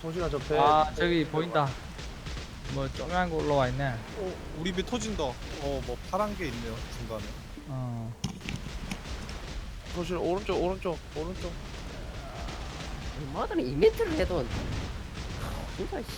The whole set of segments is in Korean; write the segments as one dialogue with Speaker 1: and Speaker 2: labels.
Speaker 1: 소진아 저 배.
Speaker 2: 아 저기 보인다. 뭐 쪼매한 거 올라와 있네.
Speaker 3: 우리 배 터진다. 뭐 파란 게 있네요 중간에.
Speaker 2: 어.
Speaker 1: 소진 오른쪽 오른쪽 오른쪽.
Speaker 4: 뭐하든 이벤트를 해도 진짜 씨.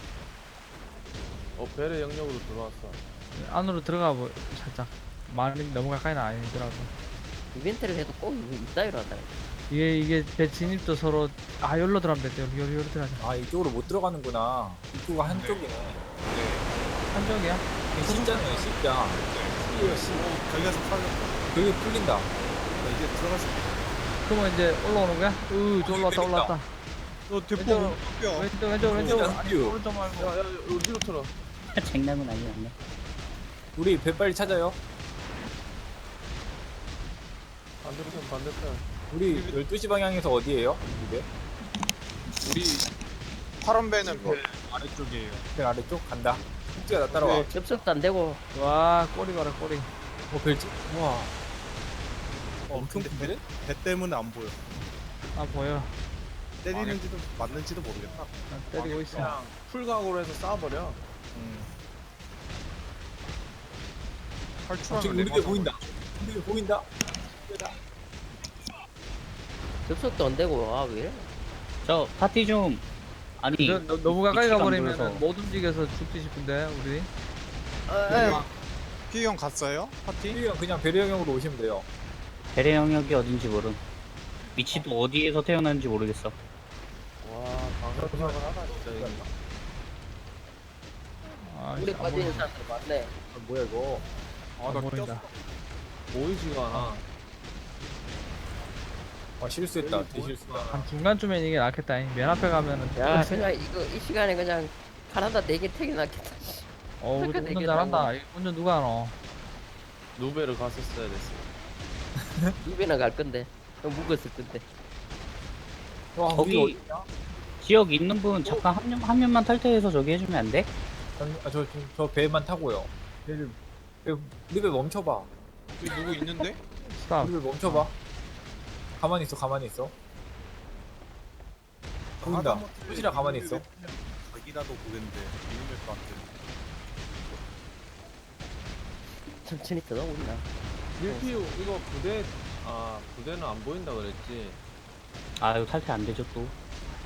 Speaker 1: 배를 영역으로 들어왔어.
Speaker 2: 안으로 들어가 보 살짝. 말이 너무 가까이는 아니더라고.
Speaker 4: 이벤트를 해도 꼭 이따위로 한다.
Speaker 2: 이게 배 진입도 서로 여기로 들어가면 됐대. 여기 들어가자.
Speaker 5: 아 이쪽으로 못 들어가는구나. 입구가 한쪽이네.
Speaker 2: 한쪽이야?
Speaker 5: C자네요 C자. C예요 C.
Speaker 3: 걸려서 팔렸다.
Speaker 5: 여기 풀린다.
Speaker 3: 이제 들어가서.
Speaker 2: 그러면 이제 올라오는 거야? 저 올라왔다.
Speaker 3: 대포 뼈.
Speaker 2: 왼쪽.
Speaker 5: 어,
Speaker 2: 아니,
Speaker 5: 뷰.
Speaker 2: 오른쪽 말고.
Speaker 1: 야야 어디로 틀어?
Speaker 6: 쟁남은 아니었네.
Speaker 5: 우리 배 빨리 찾아요.
Speaker 1: 반대편 반대편.
Speaker 5: 우리 12시 방향에서 어디에요? 우리 배?
Speaker 3: 우리 파란 배는 배 아래쪽이에요.
Speaker 5: 배 아래쪽 간다. 숙제가 나 따라와.
Speaker 4: 네, 접속도 안 되고
Speaker 2: 와, 꼬리 봐라, 꼬리.
Speaker 5: 벨지? 우와.
Speaker 3: 엄청 큰데? 배 때문에 안 보여.
Speaker 2: 보여.
Speaker 3: 때리는지도 맞는지도 모르겠다.
Speaker 2: 때리고 있어.
Speaker 1: 그냥 풀각으로 해서 쏴버려.
Speaker 5: 지금 우리 배 보인다. 우리 배 보인다.
Speaker 4: 접속도 안 되고 왜?
Speaker 6: 저 파티 좀 아니
Speaker 2: 너무 가까이
Speaker 6: 위치가 안
Speaker 2: 가버리면
Speaker 6: 보여서.
Speaker 2: 못 움직여서 죽지 싶은데, 우리.
Speaker 3: 피형 갔어요? 파티?
Speaker 5: 우리가 그냥 배려 영역으로 오시면 돼요.
Speaker 6: 배례 영역이 어딘지 모름. 위치도 어디에서 태어났는지 모르겠어.
Speaker 1: 와 방금 하다 진짜 이거.
Speaker 4: 물에 빠져 있는 사람들 많네.
Speaker 5: 아, 뭐야 이거?
Speaker 2: 안 보인다.
Speaker 1: 보이지가 않아.
Speaker 5: 아 실수했다. 대실수다.
Speaker 2: 한 중간쯤엔 이게 낫겠다. 맨 앞에 가면은.
Speaker 4: 야 그냥 이거 이 시간에 그냥 가나다 4개 태겨놨겠다.
Speaker 2: 우리
Speaker 4: 그러니까
Speaker 2: 운전
Speaker 4: 되게
Speaker 2: 잘한다. 이거 운전 누가 하노?
Speaker 1: 누베를 갔었어야 됐어.
Speaker 4: 입에나 갈 건데 묵었을 건데.
Speaker 5: 와
Speaker 6: 거기
Speaker 5: 우리 어디냐?
Speaker 6: 지역 있는 분 잠깐 한 명만 탈퇴해서 저기 해주면 안 돼?
Speaker 5: 저 배만 타고요. 배를 우리 배 멈춰봐.
Speaker 3: 여기 누구 있는데?
Speaker 2: 스탑.
Speaker 5: 우리 배 멈춰봐. 가만히 있어. 가만히 있어. 보인다. 수지라 가만히 있어.
Speaker 3: 자기라도 보겠는데 미니맵도 안 뜨네.
Speaker 4: 천천히 떠나고 있나?
Speaker 1: 밀피우 이거 부대는 안 보인다 그랬지.
Speaker 6: 아 이거 탈퇴 안 되죠 또.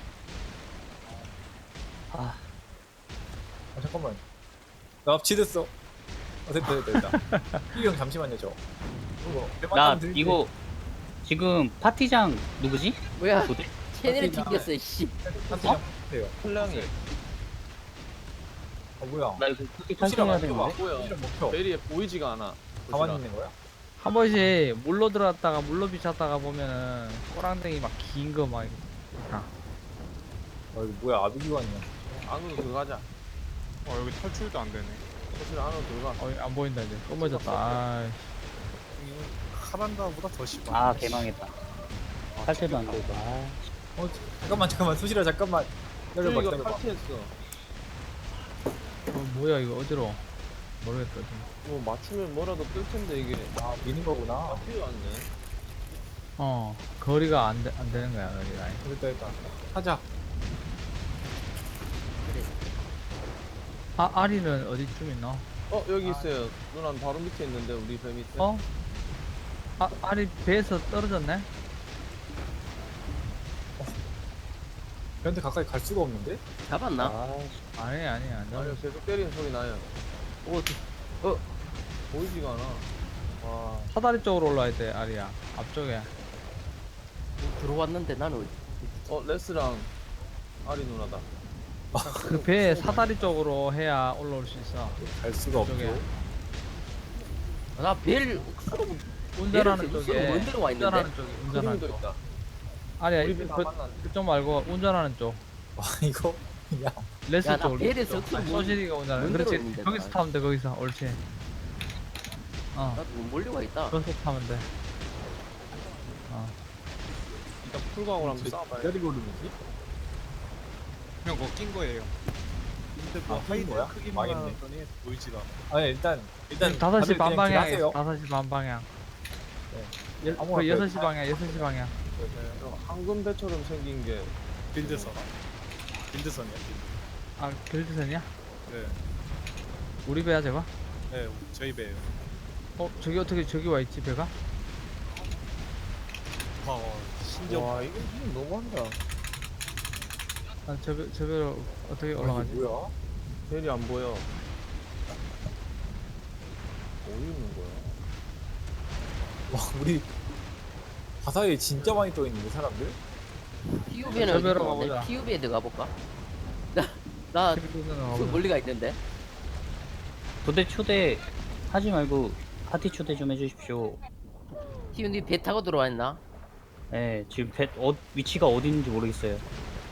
Speaker 6: 아
Speaker 5: 아, 잠깐만. 나 합치됐어. 됐다. 이형 잠시만요 저.
Speaker 6: 나 이거 지금 파티장 누구지?
Speaker 4: 뭐야?
Speaker 6: 도대?
Speaker 4: 채널이 튕겼어 씨.
Speaker 5: 한테장 해요.
Speaker 1: 플랑이
Speaker 5: 뭐야?
Speaker 6: 나 이거 파티
Speaker 5: 수지라
Speaker 6: 탈퇴해야
Speaker 5: 멈춰봐.
Speaker 6: 되는데.
Speaker 1: 뭐야?
Speaker 5: 수지라 멈춰.
Speaker 1: 베리에 보이지가 않아.
Speaker 5: 가만히 있는 거야?
Speaker 2: 한 번씩 물로 들어갔다가 물로 비쳤다가 보면은 꼬랑댕이 막 긴 거 막.
Speaker 5: 아 이거 뭐야? 아비기관이야.
Speaker 1: 안으로 들어가자.
Speaker 3: 여기 탈출도 안 되네.
Speaker 1: 소진 안으로 들어가.
Speaker 2: 안 보인다 이제. 검어졌다. 아,
Speaker 3: 카란다보다 더 심한.
Speaker 6: 아 개망했다. 탈퇴도 안 되고. 아,
Speaker 5: 잠깐만. 수지라 잠깐만. 기다려봐.
Speaker 1: 이거
Speaker 5: 기다려봐.
Speaker 1: 탈취했어.
Speaker 2: 뭐야 이거 어디로? 모르겠다 지금.
Speaker 1: 뭐 맞추면 뭐라도 뜰 텐데 이게.
Speaker 5: 아 미는 거구나.
Speaker 1: 필요 안 네.
Speaker 2: 거리가 안 되는 거야 거리가.
Speaker 5: 됐다. 하자.
Speaker 2: 아리는 어디쯤 있나?
Speaker 1: 여기 있어요. 누나 바로 밑에 있는데 우리 배 밑에.
Speaker 2: 아리 배에서 떨어졌네?
Speaker 5: 걔한테 가까이 갈 수가 없는데?
Speaker 4: 잡았나?
Speaker 2: 아니 안 잡았어.
Speaker 1: 아니요 계속 때리는 소리 나요. 보이지가 않아. 와.
Speaker 2: 사다리 쪽으로 올라야 돼 아리야. 앞쪽에.
Speaker 4: 들어왔는데 나는
Speaker 1: 레스랑 아리 누나다.
Speaker 2: 그 배 사다리 쪽으로 해야 올라올 수 있어.
Speaker 5: 갈 수가
Speaker 2: 저쪽에.
Speaker 5: 없죠.
Speaker 4: 나 벨
Speaker 2: 운전하는
Speaker 4: 얘를
Speaker 2: 쪽에.
Speaker 4: 뭔 데로 와 있는데?
Speaker 2: 운전하는 쪽에. 운전하는
Speaker 1: 그림도
Speaker 2: 쪽.
Speaker 1: 있다.
Speaker 2: 아리야
Speaker 1: 우리 배다 만났네.
Speaker 2: 그쪽 말고 운전하는 쪽.
Speaker 5: 와 이거 야
Speaker 2: 레스
Speaker 4: 야, 나
Speaker 2: 쪽으로.
Speaker 4: 배를 서툴
Speaker 2: 소실이가 운전하는.
Speaker 4: 뭔 데로
Speaker 2: 그렇지.
Speaker 4: 있는데,
Speaker 2: 거기서
Speaker 4: 나.
Speaker 2: 타면 돼 거기서. 옳지.
Speaker 4: 나도 몰려가 있다.
Speaker 2: 거기서 타면 돼.
Speaker 1: 일단 풀광으로 한번 쏴봐요.
Speaker 5: 기다리고 오르는지?
Speaker 3: 그냥 그거 낀 거예요. 근데 뭐
Speaker 5: 아, 낀
Speaker 3: 하이드
Speaker 5: 거야?
Speaker 3: 크기만
Speaker 5: 망했네.
Speaker 3: 하더니 보이지가 않아.
Speaker 5: 아니 일단
Speaker 2: 5시
Speaker 5: 다들
Speaker 2: 반
Speaker 5: 그냥
Speaker 2: 방향에
Speaker 5: 길하세요.
Speaker 2: 5시 반 방향.
Speaker 5: 네. 아무거나
Speaker 2: 6시 방향, 6시 방향.
Speaker 1: 황금 배처럼 생긴 게
Speaker 3: 빌드서. 빌드선이요.
Speaker 2: 아 길드선이야?
Speaker 3: 네,
Speaker 2: 우리 배야 제가?
Speaker 3: 네, 저희 배예요.
Speaker 2: 저기 어떻게 저기 와 있지 배가?
Speaker 3: 신기한.
Speaker 1: 와 이거 좀 너무한다.
Speaker 2: 저 배로 어떻게 올라가지?
Speaker 5: 뭐야?
Speaker 1: 벨이 안 보여. 어디 있는 거야?
Speaker 5: 와 우리 바다에 진짜 많이 떠 있는데 사람들?
Speaker 4: 피우비는
Speaker 2: 저
Speaker 4: 어디
Speaker 2: 배로
Speaker 4: 있는데?
Speaker 2: 가보자.
Speaker 4: 피우비에 들어가 볼까? 나
Speaker 2: 길드선은
Speaker 4: 그
Speaker 2: 가보자.
Speaker 4: 멀리가 있는데.
Speaker 6: 부대 초대 하지 말고 파티 초대 좀 해주십시오.
Speaker 4: 피우비 배 타고 들어와 있나?
Speaker 6: 네, 지금 위치가 어디 있는지 모르겠어요.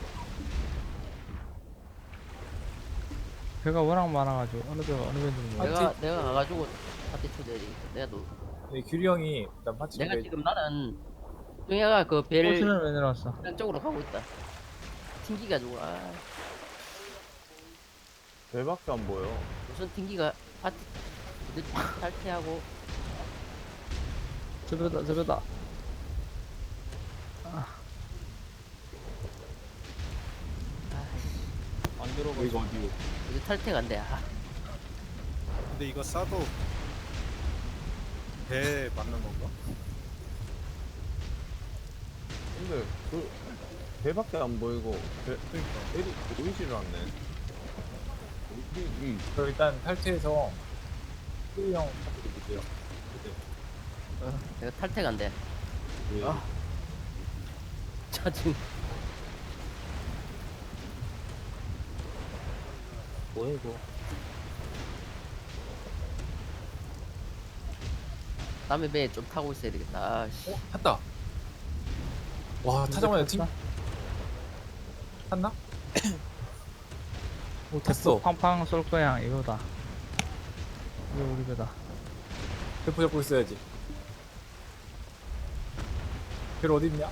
Speaker 2: 배가 워낙 많아가지고 어느 배가 어느 배인지 모르겠어.
Speaker 4: 내가 가가지고 파티 초대해야지.
Speaker 5: 네, 규리 형이 일단 파티
Speaker 4: 내가
Speaker 5: 준비.
Speaker 4: 지금 나는 동해가 그 배를
Speaker 2: 호수는 왜 내려왔어?
Speaker 4: 이런 쪽으로 가고 있다. 튕기가지고
Speaker 1: 벨밖에 안 보여.
Speaker 4: 무슨 튕기가 파티 탈퇴하고
Speaker 2: 저 배다 저 배다.
Speaker 1: 안 들어가.
Speaker 5: 이거 어디요?
Speaker 4: 이제 탈퇴가 안 돼.
Speaker 3: 근데 이거 싸도 배 맞는 건가?
Speaker 1: 근데 그 벨밖에 안 보이고
Speaker 3: 그러니까.
Speaker 1: 벨이 보이지를 않네.
Speaker 5: 저 일단 탈퇴해서 규리 형 파티 드릴게요.
Speaker 4: 내가 탈퇴가 안 돼.
Speaker 5: 네.
Speaker 4: 짜증.
Speaker 6: 뭐야 이거?
Speaker 4: 남의 배에 좀 타고 있어야 되겠다. 씨.
Speaker 5: 탔다. 와 타자마자 팀 탔나? 오 탔어.
Speaker 2: 팡팡 쏠 거야 이거다. 이거 우리 배다.
Speaker 5: 대포 잡고 있어야지. 별 어디 있냐?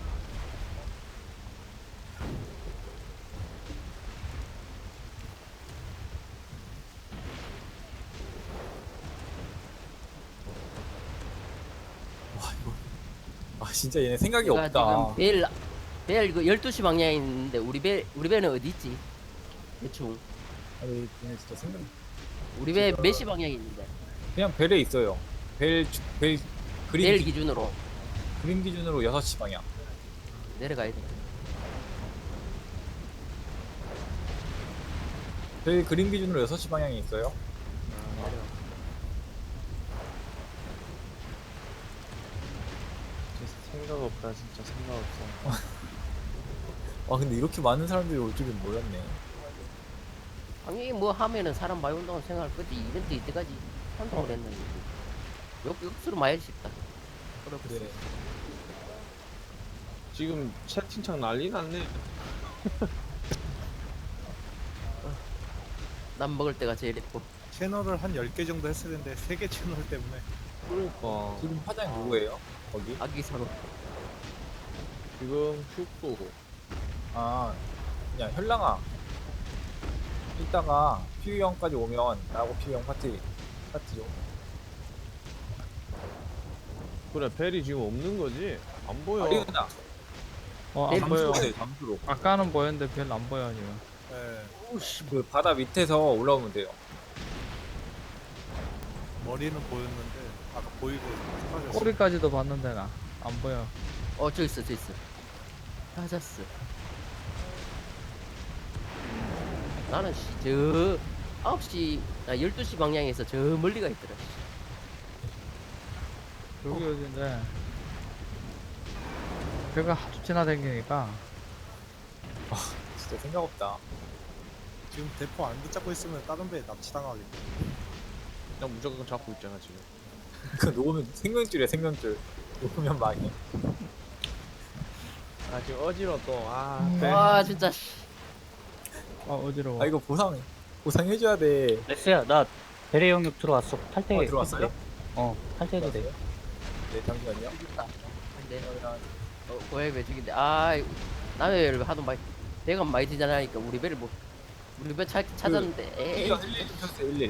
Speaker 5: 와 이거 아 진짜 얘네 생각이
Speaker 4: 우리가
Speaker 5: 없다.
Speaker 4: 지금 벨 그 12시 방향에 있는데 우리 배는 어디 있지? 대충
Speaker 5: 아니 얘네 진짜 생각.
Speaker 4: 우리 배 몇 시 방향에 있는데?
Speaker 5: 그냥 벨에 있어요. 벨 그림
Speaker 4: 벨 기준으로
Speaker 5: 그림 기준으로 6시 방향.
Speaker 4: 내려가야 돼.
Speaker 5: 벨 그림 기준으로 6시 방향에 있어요.
Speaker 1: 진짜 생각 없다. 진짜 생각 없어.
Speaker 5: 와 근데 이렇게 많은 사람들이 올 줄은 몰랐네.
Speaker 4: 당연히 뭐 하면은 사람 많이 온다고 생각할 거지. 이벤트 이때까지 한다고 그랬는데 역수로 많이 싶다. 그렇게
Speaker 5: 네.
Speaker 1: 지금 채팅창 난리 났네.
Speaker 4: 남 먹을 때가 제일 예뻐.
Speaker 3: 채널을 한 10개 정도 했어야 되는데 3개 채널 때문에.
Speaker 1: 그러니까
Speaker 5: 지금 파장 누구예요? 거기?
Speaker 4: 아기 사로.
Speaker 1: 지금 슈도
Speaker 5: 아 그냥 현랑아 이따가 피우 형까지 오면 나하고 피우 형 파티 좀.
Speaker 1: 그래 벨이 지금 없는 거지? 안 보여.
Speaker 5: 아리우나
Speaker 4: 네,
Speaker 2: 안 보여.
Speaker 5: 잠수로 돼 잠수로.
Speaker 2: 아까는 보였는데 별로 안 보여 지금.
Speaker 3: 네,
Speaker 5: 그 바다 밑에서 올라오면 돼요.
Speaker 3: 머리는 보였는데 아까 보이고 사라졌어.
Speaker 2: 꼬리까지도 봤는데 나 안 보여.
Speaker 4: 저 있어. 찾았어. 나는 저 9시 12시 방향에서 저 멀리가 있더라.
Speaker 2: 여기 어딘데? 배가 하도 지나다니니까
Speaker 5: 진짜 생각 없다.
Speaker 3: 지금 대포 안 붙잡고 있으면 다른 배에 납치당하겠네.
Speaker 1: 그냥 무조건 잡고 있잖아 지금.
Speaker 5: 그 녹으면 생명줄이야 생명줄. 녹으면 망해.
Speaker 1: 아 지금 어지러 또.
Speaker 4: 와 진짜 씨.
Speaker 2: 어지러워.
Speaker 5: 아 이거 보상해줘야 돼.
Speaker 6: 레스야, 나 배례 영역 들어왔어. 탈퇴.
Speaker 5: 들어왔어요?
Speaker 6: 해도 돼. 탈퇴해도 돼.
Speaker 5: 네 잠시만요.
Speaker 4: 근데 고양이 배 죽인데 남의 배를 하도 많이 배가 많이 되잖아니까 우리 배를 뭐 우리 배 찾았는데 에이
Speaker 5: 이거 11 좀 쳤어요 11.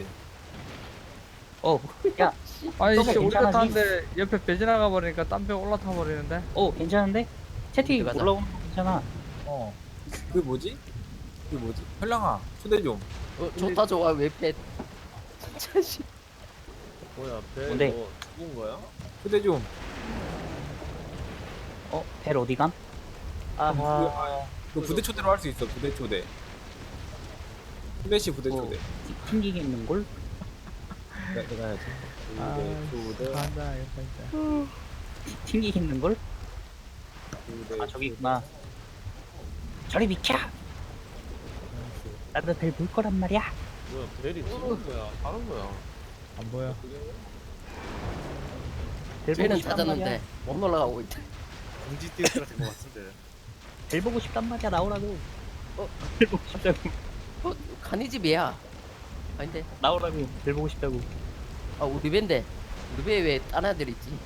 Speaker 6: 야,
Speaker 2: 아니
Speaker 6: 너무
Speaker 2: 씨 우리가
Speaker 6: 괜찮아지?
Speaker 2: 타는데 옆에 배 지나가 버리니까 딴 배 올라타 버리는데.
Speaker 6: 괜찮은데? 채팅
Speaker 4: 가자.
Speaker 6: 올라오는 거 괜찮아.
Speaker 5: 그 뭐지? 이게 뭐지? 현랑아 초대 좀.
Speaker 4: 좋다 좋아 왜 패? 자식.
Speaker 1: 뭐야 배
Speaker 6: 뭔데?
Speaker 1: 뭐 죽은 거야?
Speaker 5: 초대 좀.
Speaker 6: 벨 어디감?
Speaker 5: 아하. 그 부대 초대로 할 수 있어. 부대 초대. 플래시 부대 초대.
Speaker 6: 튕기겠는걸?
Speaker 5: 내가 해야지.
Speaker 2: 아,
Speaker 5: 부대 초대.
Speaker 2: 간다 이거 진짜.
Speaker 6: 튕기겠는걸?
Speaker 5: 부대.
Speaker 6: 아 저기 있구나. 저리 비켜! 나도 벨 볼 거란 말이야.
Speaker 1: 뭐야 벨이 죽은 거야? 다른 거야?
Speaker 2: 안 보여.
Speaker 6: 벨 보고
Speaker 4: 쟤는
Speaker 6: 싶단
Speaker 4: 찾았는데
Speaker 6: 말이야.
Speaker 4: 못 올라가고 있다.
Speaker 3: 공지 띄우스가 된 것 같은데.
Speaker 6: 벨 보고 싶단 말이야. 나오라고.
Speaker 4: 어?
Speaker 6: 벨 보고 싶다고.
Speaker 4: 간이집이야. 아닌데.
Speaker 6: 나오라고. 벨 보고 싶다고.
Speaker 4: 아 우리 배인데. 우리 배에 왜 딴 아들 있지?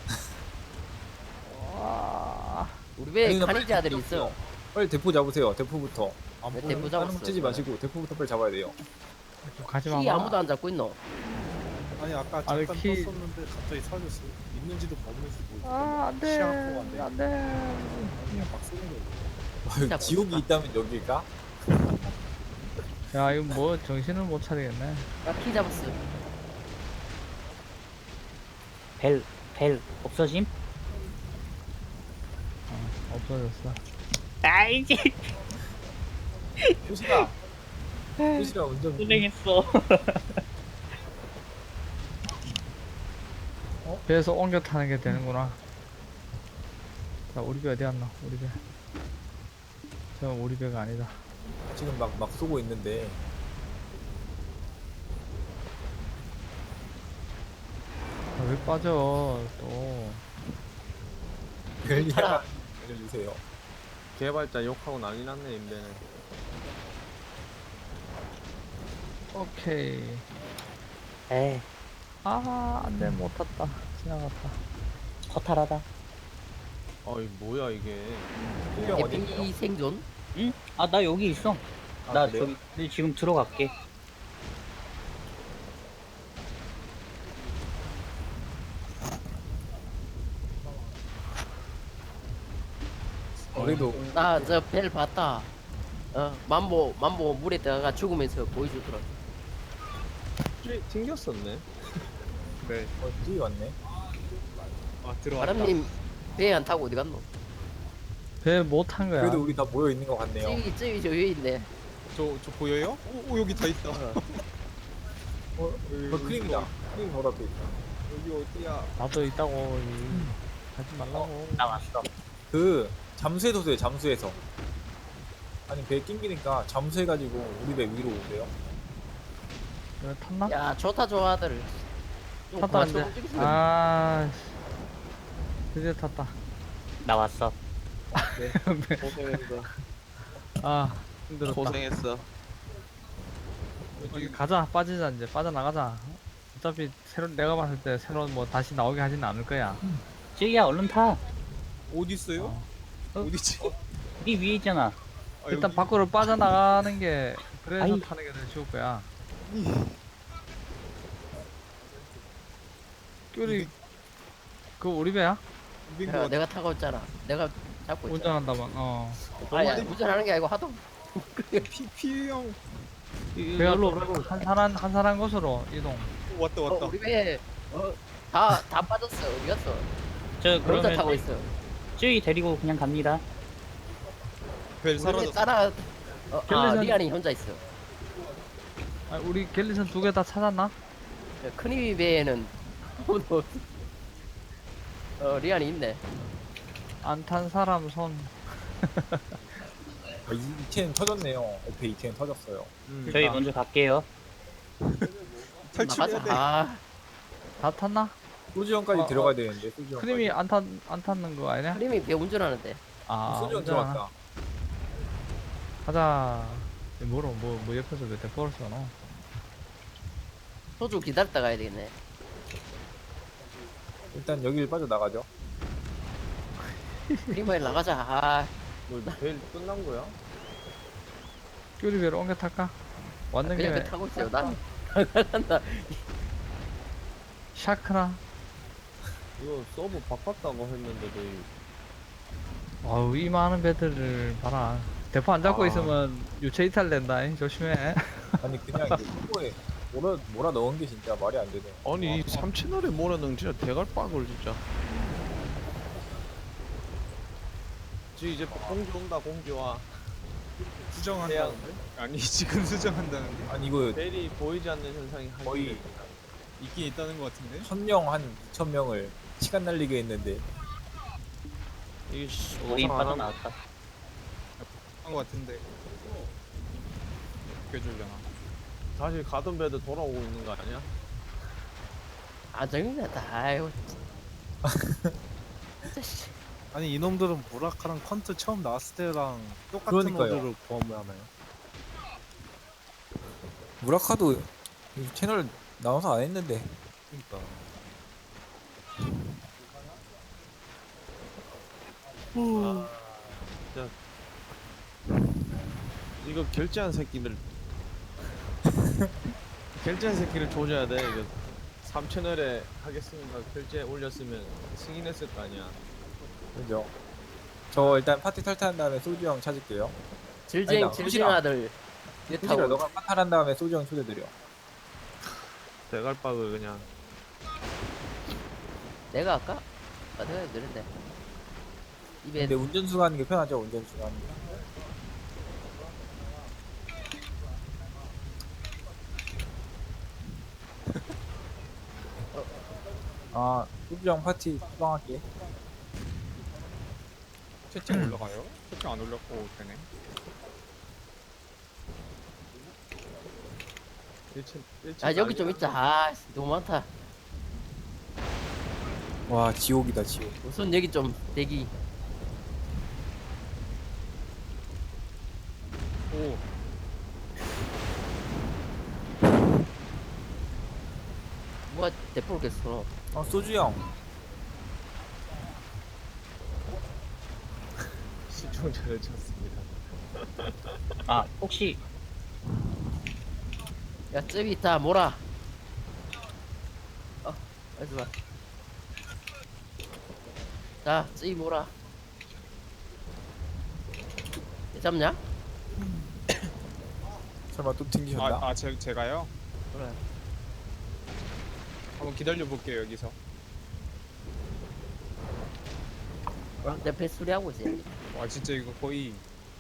Speaker 4: 우리 배에
Speaker 5: 아니, 나
Speaker 4: 간이지
Speaker 5: 빨리
Speaker 4: 아들이 있어.
Speaker 5: 빨리 대포 잡으세요. 대포부터.
Speaker 3: 안
Speaker 4: 왜
Speaker 3: 보여.
Speaker 4: 대포
Speaker 5: 다른
Speaker 4: 잡았어?
Speaker 5: 거 치지 마시고 대포부터 빨리 잡아야 돼요.
Speaker 2: 가지
Speaker 4: 키
Speaker 2: 마.
Speaker 4: 아무도 안 잡고 있노?
Speaker 3: 아니 아까
Speaker 2: 아, 왜
Speaker 3: 잠깐
Speaker 2: 키-
Speaker 3: 떴었는데 갑자기 사라졌어. 있는지도 없는지도 모르겠어.
Speaker 2: 아, 안 돼.
Speaker 3: 시야가 안 돼.
Speaker 2: 안 돼.
Speaker 3: 그냥 막 쏘는 거야.
Speaker 5: 아유, 지옥이 있다면 여기일까?
Speaker 2: 야, 이거 뭐 정신을 못 차리겠네.
Speaker 4: 나키 잡았어.
Speaker 6: 벨 없어짐?
Speaker 2: 없어졌어.
Speaker 6: 아이지.
Speaker 5: 효시라. 효시라 운전.
Speaker 6: 고생했어.
Speaker 2: 배에서 옮겨 타는 게 되는구나. 자, 우리 배 어디 갔나? 우리 배. 저 우리 배가 아니다.
Speaker 5: 지금 막 쏘고 있는데.
Speaker 2: 아, 왜 빠져 또?
Speaker 5: 별일
Speaker 4: 차라.
Speaker 5: 알려주세요.
Speaker 1: 개발자 욕하고 난리 났네 임배는.
Speaker 2: 오케이.
Speaker 6: 에이,
Speaker 2: 아, 안 돼. 못 탔다. 지나갔다.
Speaker 6: 허탈하다.
Speaker 1: 아이 뭐야 이게.
Speaker 5: 필경 어디
Speaker 4: 에피
Speaker 5: 있어요?
Speaker 4: 생존?
Speaker 6: 응? 아, 나 여기 있어.
Speaker 5: 아,
Speaker 6: 나
Speaker 5: 그래요?
Speaker 6: 저기 지금 들어갈게.
Speaker 5: 그래도
Speaker 4: 나 저 벨 봤다. 만보 물에 들어가 죽으면서 보여주더라.
Speaker 1: 튕겼었네.
Speaker 3: 네.
Speaker 5: 뒤에 왔네.
Speaker 3: 아 들어왔다.
Speaker 4: 바람님 배 안 타고 어디 갔노?
Speaker 2: 배 못 탄 거야.
Speaker 5: 그래도 우리 다 모여 있는 것 같네요.
Speaker 4: 저기 저 위에 있네.
Speaker 3: 저 보여요? 오 여기 다 있다.
Speaker 5: 그 크림이다. 크림 보다 또 있다.
Speaker 3: 여기 어디야?
Speaker 2: 나도 있다고. 가지 말라고.
Speaker 6: 나 왔어.
Speaker 5: 그 잠수해서 쏘요. 잠수해서. 아니 배에 낑기니까 잠수해가지고 우리 배 위로 오세요.
Speaker 2: 왜 탔나?
Speaker 4: 야 좋다 좋아들. 좀
Speaker 2: 탔다
Speaker 4: 그만
Speaker 2: 근데.
Speaker 4: 좀 움직이세요.
Speaker 2: 아, 씨. 드디어 탔다.
Speaker 6: 나 왔어.
Speaker 1: 고생했어.
Speaker 2: 아, 힘들었다.
Speaker 1: 고생했어.
Speaker 2: 여기 가자. 빠지자 이제. 빠져나가자. 어차피 새로 내가 봤을 때 새로 뭐 다시 나오게 하지는 않을 거야.
Speaker 6: 저기야, 얼른 타.
Speaker 3: 어디 있어요?
Speaker 2: 어.
Speaker 3: 어디지?
Speaker 6: 네 위에 있잖아.
Speaker 3: 아,
Speaker 2: 일단
Speaker 3: 여기.
Speaker 2: 밖으로 빠져나가는 게 그래서
Speaker 6: 아이.
Speaker 2: 타는 게 더 쉬울 거야. 우리 그 우리 배야?
Speaker 3: 우린
Speaker 4: 야,
Speaker 3: 거
Speaker 4: 내가 타고 있잖아. 내가 잡고 있잖아.
Speaker 2: 운전한다만. 어.
Speaker 4: 아니 운전하는 게 아니고 하도
Speaker 3: 피형
Speaker 2: 배가 또 한 사람 곳으로 이동.
Speaker 3: 왔다 왔다.
Speaker 4: 우리 배에 다 빠졌어. 어디 갔어?
Speaker 6: 저
Speaker 4: 혼자
Speaker 6: 그러면
Speaker 4: 타고 있어.
Speaker 6: 저기 데리고 그냥 갑니다.
Speaker 3: 벨
Speaker 4: 우리 배
Speaker 3: 사라졌어.
Speaker 4: 따라
Speaker 2: 갤리선-
Speaker 4: 리안이 혼자 있어.
Speaker 2: 아, 우리 갤리선 두 개 다 찾았나?
Speaker 4: 큰이미 배에는 아무도 없어. 리안이 있네.
Speaker 2: 안 탄 사람 손.
Speaker 5: 아, 이체는 터졌네요. 옆에 이체는 터졌어요.
Speaker 2: 그러니까.
Speaker 6: 저희 먼저 갈게요.
Speaker 3: 탈출해야 돼.
Speaker 2: 다 탔나?
Speaker 5: 소주형까지
Speaker 2: 어,
Speaker 5: 들어가야 되는데 소주형.
Speaker 2: 크림이 안 탔는 거 아니냐?
Speaker 4: 큰이미 배 운전하는데.
Speaker 2: 아,
Speaker 5: 소주형
Speaker 2: 운전하나?
Speaker 5: 들어갔다.
Speaker 2: 가자. 뭐로 뭐 옆에서 왜 대포를 쏘노?
Speaker 4: 소주 기다렸다 가야 되겠네.
Speaker 5: 일단 여기를 빠져 나가죠.
Speaker 4: 크리머에 나가자.
Speaker 1: 뭐벨 끝난 거야?
Speaker 2: 우리 배로 옮겨 탈까? 왔는
Speaker 4: 그냥
Speaker 2: 김에
Speaker 4: 배 타고 있어요. 난
Speaker 2: 샤크나.
Speaker 1: 이거 서브 바꿨다고 했는데도
Speaker 2: 아우 이 많은 배들을 봐라. 대포 안 잡고
Speaker 1: 아.
Speaker 2: 있으면 유체 이탈 된다. 조심해.
Speaker 5: 아니 그냥 이게 후보에 몰아 넣은 게 진짜 말이 안 되네.
Speaker 1: 아니 이 3채널에 몰아넣은 진짜 대갈빡을 진짜. 지금 이제 공주 온다 공주와
Speaker 3: 수정한다는데? 아니 지금 수정한다는데?
Speaker 5: 아니 이거
Speaker 1: 벨이 보이지 않는 현상이
Speaker 5: 거의
Speaker 3: 있긴 있다는 것 같은데?
Speaker 5: 1000명 한 2000명을 시간 날리게 했는데
Speaker 1: 이게
Speaker 6: 우리
Speaker 1: 노상 안 하면
Speaker 6: 빠져나왔다.
Speaker 3: 한 것 같은데 웃겨주려나?
Speaker 1: 다시 가던 배도 돌아오고 있는 거 아니야?
Speaker 4: 아 정리났다. 아이고. 진짜 씨.
Speaker 7: 아니 이놈들은 무라카랑 컨트 처음 나왔을 때랑 똑같은
Speaker 5: 그러니까요.
Speaker 7: 모드를 구하나요?
Speaker 5: 무라카도 이 채널 나와서 안 했는데
Speaker 7: 그러니까
Speaker 1: 이거 결제한 새끼들 결제한 새끼를 조져야 돼. 이거 3채널에 하겠습니다 결제 올렸으면 승인했을 거 아니야.
Speaker 5: 그죠? 저 일단 파티 탈퇴한 다음에 소주 형 찾을게요.
Speaker 4: 질쟁
Speaker 5: 아니다,
Speaker 4: 질쟁
Speaker 5: 후지라.
Speaker 4: 아들.
Speaker 5: 소주라
Speaker 4: 타고
Speaker 5: 너가 파탈한 다음에 소주 형 초대드려.
Speaker 1: 대갈빡을 그냥
Speaker 4: 내가 할까? 아 내가 그런데. 입에
Speaker 5: 근데 운전수가 하는 게 편하죠. 운전수가 하는 게. 아 소주 형 파티 수방할게.
Speaker 3: 채팅 올라가요? 채팅 안 올렸고 되네.
Speaker 1: 1채
Speaker 4: 아 여기 좀 있자. 아 너무 많다.
Speaker 5: 와 지옥이다 지옥.
Speaker 4: 우선 여기 좀 대기.
Speaker 3: 오
Speaker 4: 뭐가 대포를 깼어.
Speaker 5: 소주 형.
Speaker 1: 시청자를 찾습니다.
Speaker 6: 아 혹시
Speaker 4: 야 쯔비 있다 몰아. 알지 마. 자 쯔비 몰아. 잡냐?
Speaker 5: 설마 또 튕기셨나?
Speaker 3: 제가요?
Speaker 4: 그래.
Speaker 3: 한번 기다려 볼게요 여기서.
Speaker 4: 내 패스리 하고 있어.
Speaker 3: 와 진짜 이거 거의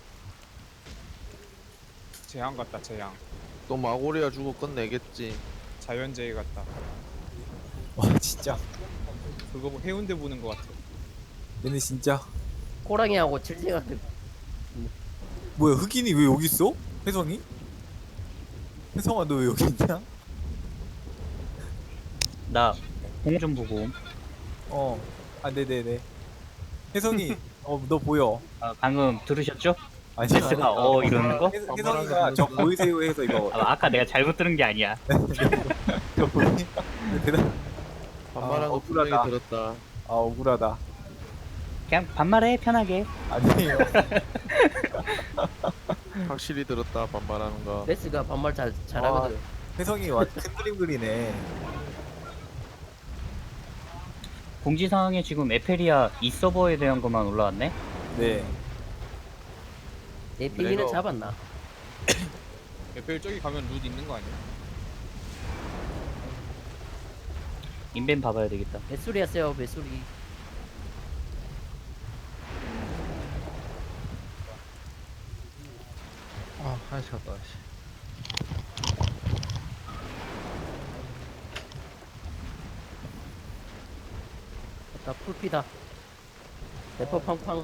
Speaker 3: 재앙 같다 재앙.
Speaker 1: 또 마고리아 주고 끝내겠지.
Speaker 3: 자연재해 같다.
Speaker 5: 와 진짜.
Speaker 3: 그거 해운대 보는 것 같아.
Speaker 5: 얘네 진짜.
Speaker 4: 호랑이하고 질쟁아들.
Speaker 5: 뭐야 흑인이 왜 여기 있어? 혜성이? 혜성아 너 왜 여기 있냐?
Speaker 6: 나 공 좀 보고.
Speaker 5: 아 네네네. 혜성이 너 보여.
Speaker 6: 아, 방금 들으셨죠?
Speaker 5: 아니
Speaker 6: 제스가 이러는 거?
Speaker 5: 혜성이가 저 보이세요 해서 이거
Speaker 6: 아까 내가 잘못 들은 게 아니야.
Speaker 5: 저 보니 대단.
Speaker 1: 반말한 거
Speaker 5: 억울하다.
Speaker 1: 분명히 들었다.
Speaker 5: 아 억울하다.
Speaker 6: 그냥 반말해 편하게.
Speaker 5: 아니에요.
Speaker 1: 확실히 들었다 반말하는 거.
Speaker 4: 베스가 반말 잘하거든.
Speaker 5: 혜성이 완전 큰 그림 그리네.
Speaker 6: 공지사항에 지금 에페리아 이 서버에 대한 것만 올라왔네.
Speaker 5: 네.
Speaker 4: 내 비기는
Speaker 1: 내가-
Speaker 4: 잡았나?
Speaker 3: 에펠 저기 가면 룻 있는 거 아니야?
Speaker 6: 인벤 봐봐야 되겠다.
Speaker 4: 배수리 했어요 배수리.
Speaker 2: 아, 하나씩 갔다. 씨.
Speaker 4: 나 풀피다. 대포 팡팡.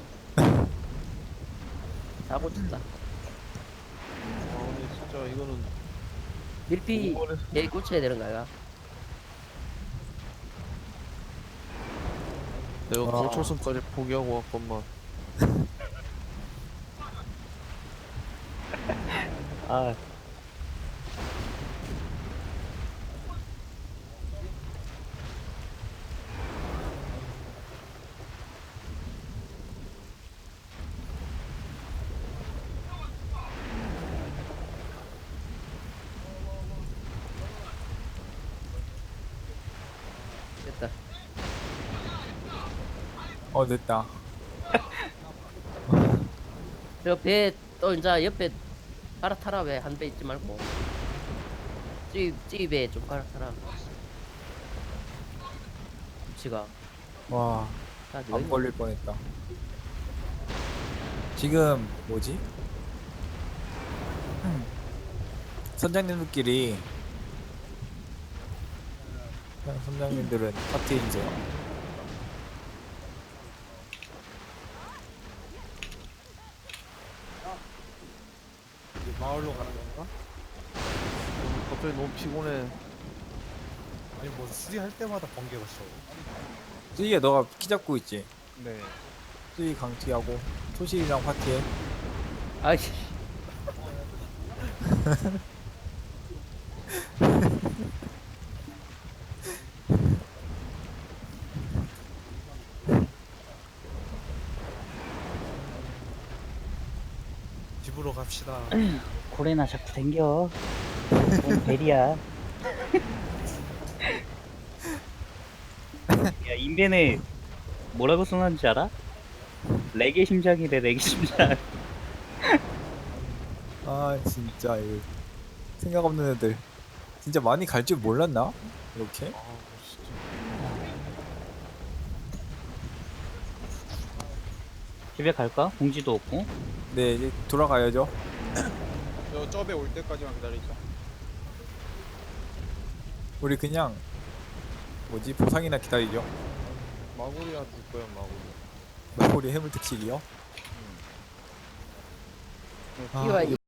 Speaker 4: 사고 쳤다.
Speaker 1: 아 근데 진짜 이거는
Speaker 4: 밀피 얘 꽂혀야 되는 거야.
Speaker 1: 내가 고초선까지 포기하고 왔건만.
Speaker 6: 아
Speaker 4: 됐다.
Speaker 5: 됐다.
Speaker 4: 저 배 또 이제 옆에 갈아타라. 왜 한 배 있지 말고 찌입에 좀 갈아타라. 지가
Speaker 5: 와,
Speaker 4: 다
Speaker 5: 안
Speaker 4: 너희
Speaker 5: 걸릴 뻔했다. 지금 뭐지? 선장님들끼리 그냥 선장님들은 파티해주세요.
Speaker 7: 이제 마을로 가는 건가?
Speaker 1: 갑자기 너무 피곤해.
Speaker 7: 아니 뭐 수리할 때마다 번개가 쳐.
Speaker 5: 쓰이야 너가 키 잡고 있지?
Speaker 3: 네.
Speaker 5: 쓰이 강티하고 소실이랑 파티해.
Speaker 4: 아이씨.
Speaker 7: 집으로 갑시다.
Speaker 6: 고래나 자꾸 댕겨. 뭔 벨이야. 야, 인벤에 뭐라고 써놨는지 알아? 레게 심장이래, 레게 심장.
Speaker 5: 아 진짜 이거 생각 없는 애들 진짜 많이 갈 줄 몰랐나? 이렇게?
Speaker 6: 집에 갈까? 공지도 없고.
Speaker 5: 네 이제 돌아가야죠.
Speaker 3: 저 쩝에 올 때까지만 기다리자.
Speaker 5: 우리 그냥 뭐지 보상이나 기다리죠.
Speaker 1: 마구리야 줄 거야 마구리.
Speaker 5: 우리 해물 특식이요?
Speaker 4: 이와